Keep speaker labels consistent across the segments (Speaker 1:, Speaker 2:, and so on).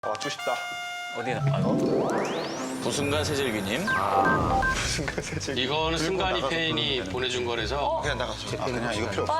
Speaker 1: 맞추고 싶다.
Speaker 2: 어디나?
Speaker 3: 부순간 세젤기님.
Speaker 1: 순간 세제.
Speaker 4: 이거는 승관이 팬이 보내준 거라서
Speaker 1: 그냥 나가서. 그냥 이거 필요 없어.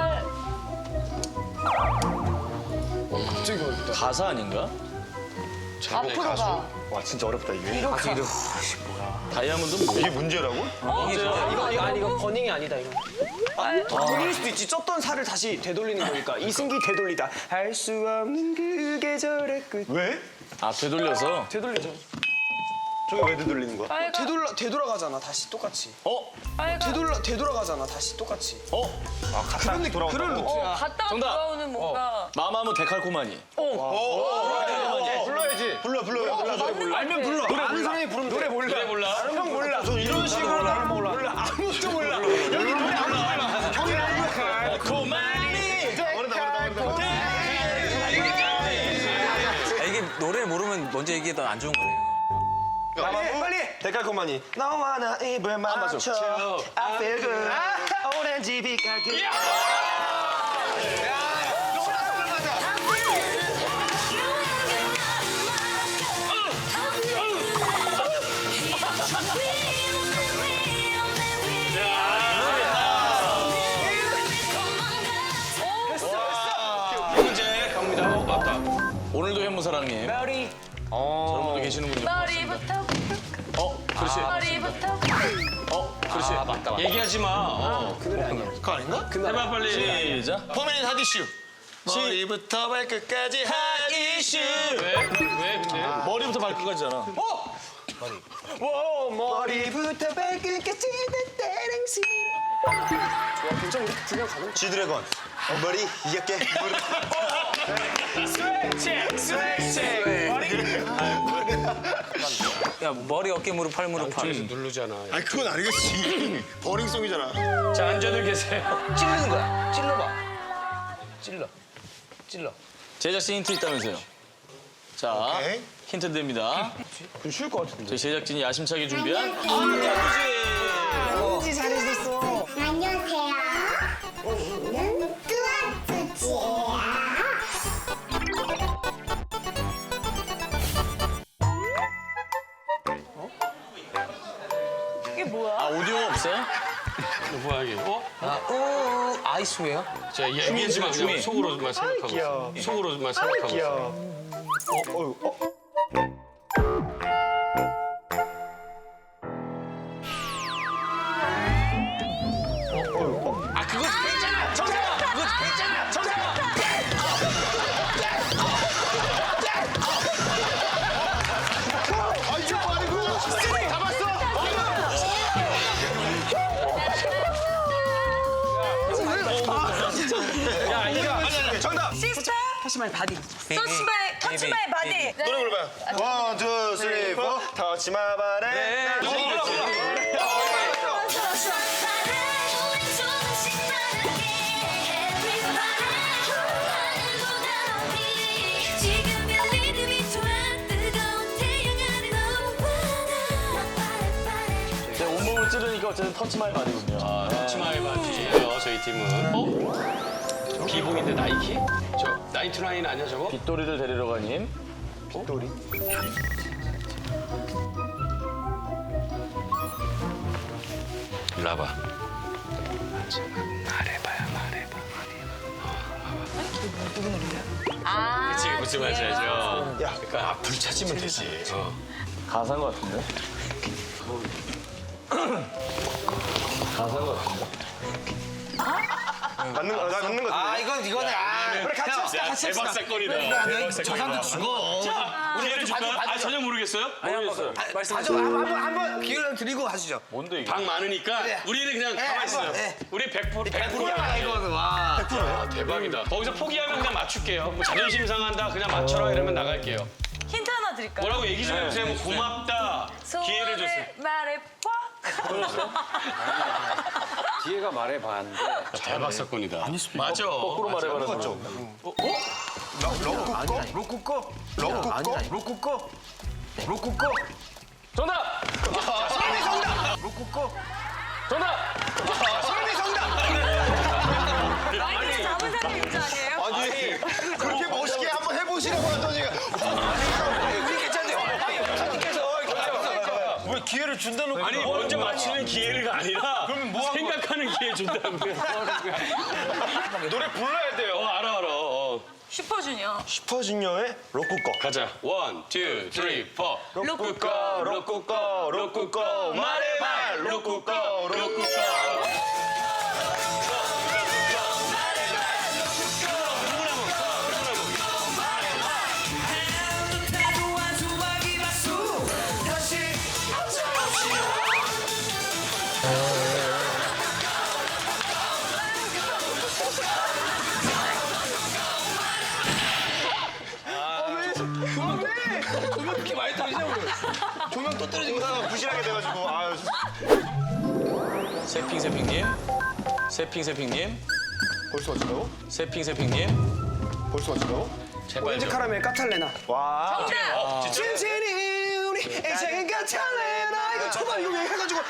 Speaker 5: 갑자기 어렵다.
Speaker 3: 가사 아닌가?
Speaker 4: 제목의
Speaker 5: 앞으로
Speaker 4: 가수.
Speaker 5: 가.
Speaker 1: 와 진짜 어렵다 이게.
Speaker 3: 다이아몬드 뭐?
Speaker 1: 이게 문제라고?
Speaker 5: 이거 버닝이 아니다 이거. 돌릴 수도 있지. 쪘던 살을 다시 되돌리는 거니까. 이승기 되돌리다. 할 수 없는 그 계절의 끝.
Speaker 1: 왜?
Speaker 3: 아 되돌려서.
Speaker 5: 되돌리죠.
Speaker 1: 저게 왜 되돌리는 거야?
Speaker 5: 되돌아가잖아 다시 똑같이. 되돌아가잖아 다시 똑같이.
Speaker 1: 아 갔다 돌아온다.
Speaker 5: 그런 루트야.
Speaker 6: 갔다가
Speaker 3: 정답.
Speaker 6: 돌아오는 뭔가
Speaker 3: 마마무 데칼코마니.
Speaker 1: 불러야지. 불러.
Speaker 5: 알면 불러. 노래 아는 사람이 부르면 노래 몰라.
Speaker 4: 노래 몰라?
Speaker 5: 형 몰라. 저 이런 식으로 나는 몰라. 아무것도 몰라. 여기 노래 안 몰라. 형이 알고.
Speaker 3: 코마니.
Speaker 2: 이게 노래를 모르면 먼저 얘기해도 안 좋은 거네요.
Speaker 5: 빨리.
Speaker 1: 데칼코마니.
Speaker 5: 너와 나 입을 맞춰. I feel good. 오렌지 빛깔 그.
Speaker 4: 문제 갑니다. 맞다.
Speaker 3: 오늘도 현무사랑님.
Speaker 5: 머리.
Speaker 3: 저런 분도 계시는군요.
Speaker 6: 머리부터
Speaker 3: 그렇지.
Speaker 6: 머리부터
Speaker 3: 그렇지.
Speaker 4: 맞다. 얘기하지 마.
Speaker 1: 그거 아닌가?
Speaker 4: 해봐 빨리.
Speaker 3: 시작.
Speaker 1: 포메닌 핫이슈. 머리부터 발끝까지 핫이슈.
Speaker 4: 왜? 왜 근데?
Speaker 3: 머리부터 발끝까지잖아.
Speaker 5: 머리부터 발끝까지 땡땡시. 와 괜찮아. 우리 두명 가는 거.
Speaker 1: 지드래곤. 머리 이겼게.
Speaker 2: 야 머리, 어깨, 무릎, 팔, 무릎, 팔.
Speaker 4: 누르잖아.
Speaker 1: 아니 그건 아니겠지. 버닝송이잖아.
Speaker 4: 자 앉아들 계세요.
Speaker 5: 찌르는 거야. 찔러봐. 찔러.
Speaker 3: 제작진 힌트 있다면서요. 자,
Speaker 1: 오케이.
Speaker 3: 힌트 드립니다.
Speaker 1: 쉬울 것 같은데.
Speaker 3: 저희 제작진이 야심차게 준비한
Speaker 5: 지 잘해줬어.
Speaker 7: 안녕하세요. 우리는 뚜아뚜지예요.
Speaker 6: 이게 뭐야?
Speaker 3: 아 오디오가 없어요?
Speaker 4: 뭐야 이게?
Speaker 2: 아이스웨어?
Speaker 4: 자 얘기하지 마. 그냥 속으로만 생각하고
Speaker 1: 귀여워.
Speaker 4: 있어. 속으로만 생각하고 있어.
Speaker 1: 귀여워.
Speaker 3: 아 그거 괜찮아. 정답. 그거 괜찮아. 정답.
Speaker 1: 아 이거 아니고. 다 봤어.
Speaker 4: 야 이거 아니.
Speaker 1: 정답.
Speaker 6: 시스터
Speaker 5: 터치마이 바디.
Speaker 6: 터치마이 바디.
Speaker 1: 노래 불러봐요. 원, 투, 쓰리, 포. 터치 마 바래.
Speaker 3: 제 온몸을 찌르니까 어쨌든 터치마이 바디군요.
Speaker 4: 치마이 바지예요 저희 팀은. 비복인데 나이키? 저 나이트라인 아니야 저거?
Speaker 3: 빗돌이를 데리러 간 힘.
Speaker 1: 빗돌이.
Speaker 4: 일로 와봐. 말해봐.
Speaker 6: 아,
Speaker 4: 그치 무슨 말인지 알죠?
Speaker 1: 야.
Speaker 4: 그러니까 앞을 찾으면 되지.
Speaker 3: 가사인 것 같은데. 가사인 것 같은데.
Speaker 1: 맞는 거 같은데.
Speaker 5: 이거네. 그래 같이 합시다. 같이 합시다.
Speaker 4: 대박사건이다. 저 사람도 죽어. 우리 해줄까? 아 전혀 모르겠어요?
Speaker 3: 모르겠어요.
Speaker 5: 한번 기회를 드리고 하시죠.
Speaker 3: 뭔데 이게?
Speaker 4: 방 많으니까 우리는 그냥 가만히 있어요. 우리 100%야.
Speaker 5: 이거는 와.
Speaker 4: 아, 대박이다. 거기서 포기하면 그냥 맞출게요. 뭐 자존심 상한다 그냥 맞춰라 이러면 나갈게요.
Speaker 6: 힌트 하나 드릴까요?
Speaker 4: 뭐라고 얘기 좀 해보세요. 뭐 고맙다. 기회를 줬어요.
Speaker 6: 말해봐.
Speaker 2: 뒤에가 말해봐 하는데.
Speaker 4: 대박 사건이다. 맞아.
Speaker 3: 거꾸로 말해봐라.
Speaker 1: 맞죠? 로쿠꺼?
Speaker 3: 정답. 정답.
Speaker 6: 아니, 잡은 사람 있지 아니에요?
Speaker 1: 아니 그렇게 멋있게 한번 해보시라고 하더니 기회를 준다는
Speaker 4: 아니 먼저 맞추는 기회가 아니라
Speaker 1: 그러면 뭐 하는 거야?
Speaker 4: 생각하는 기회 준다고요.
Speaker 1: 노래 불러야 돼요.
Speaker 4: 알아.
Speaker 6: 슈퍼주니어.
Speaker 1: 슈퍼주니어의 로쿠꺼.
Speaker 4: 가자. 1, 2, 3, 4.
Speaker 1: 로쿠꺼 로쿠꺼 로쿠꺼 말해봐 로쿠꺼 로쿠꺼.
Speaker 2: 조명 그렇게 많이 떨어지냐고.
Speaker 1: 조명 또 떨어진 거 부실하게 돼가지고 아유.
Speaker 2: 세핑님.
Speaker 1: 벌써 왔다고?
Speaker 2: 세핑님.
Speaker 1: 벌써 왔다고?
Speaker 5: 오렌지 카라멜 까탈레나.
Speaker 1: 와.
Speaker 5: 찐찐이 우리 인생은 까탈레나. 이거 초반 이거 해가지고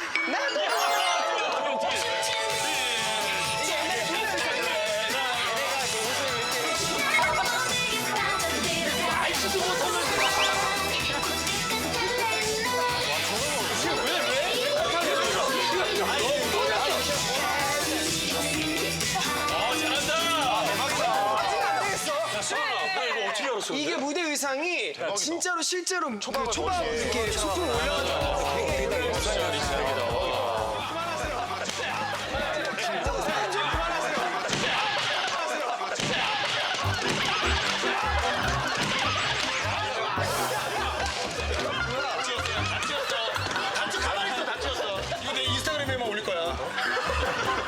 Speaker 5: 이게 무대 의상이 진짜로 실제로 초반 이렇게 소품 올려가지고 되게